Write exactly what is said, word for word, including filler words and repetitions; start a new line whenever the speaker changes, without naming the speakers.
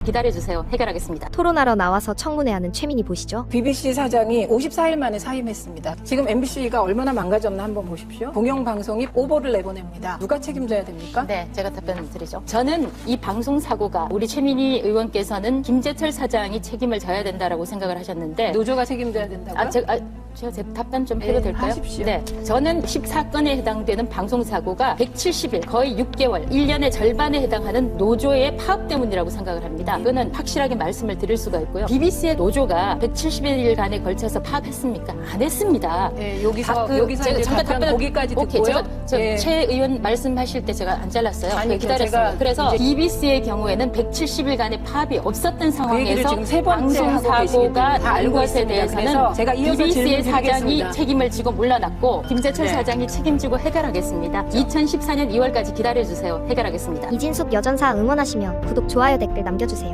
기다려주세요. 해결하겠습니다.
토론하러 나와서 청문회하는 최민희 보시죠.
비비씨 사장이 오십사 일 만에 사임했습니다. 지금 엠비씨가 얼마나 망가졌나 한번 보십시오. 공영방송이 오보를 내보냅니다. 누가 책임져야 됩니까?
네, 제가 답변 드리죠. 저는 이 방송 사고가 우리 최민희 의원께서는 김재철 사장이 책임을 져야 된다라고 생각을 하셨는데
노조가 책임져야 된다고요?
아, 제가, 아, 제가 제 답변 좀 해도
네,
될까요?
하십시오.
네, 저는 십사 건에 해당되는 방송 사고가 백칠십 일, 거의 육 개월, 일 년의 절반에 해당하는 노조의 파업 때문이라고 생각을 합니다. 이거는 확실하게 말씀을 드릴 수가 있고요. 비비씨의 노조가 백칠십 일간에 걸쳐서 파업했습니까? 안 했습니다.
네, 여기서
그,
여기서
제가
이제
잠깐
답변
답변을-
거기까지
오케이,
듣고요.
제가 저,
네.
최 의원 말씀하실 때 제가 안 잘랐어요.
아니,
기다렸습니다.
제가
그래서
이제-
비비씨의 경우에는 백칠십 일간의 파업이 없었던
그 얘기를
상황에서
지금 세 번째
방송
하고 계시기
사고가
때문에 다
난
알고
것에
있습니다.
대해서는
그래서 제가 이어서
비비씨의 사장이
질문드리겠습니다.
책임을 지고 물러났고 김재철
네.
사장이 책임지고 해결하겠습니다. 이천십사 년 이월까지 기다려주세요. 해결하겠습니다.
이진숙 여전사 응원하시면 구독, 좋아요, 댓글 남겨주세요.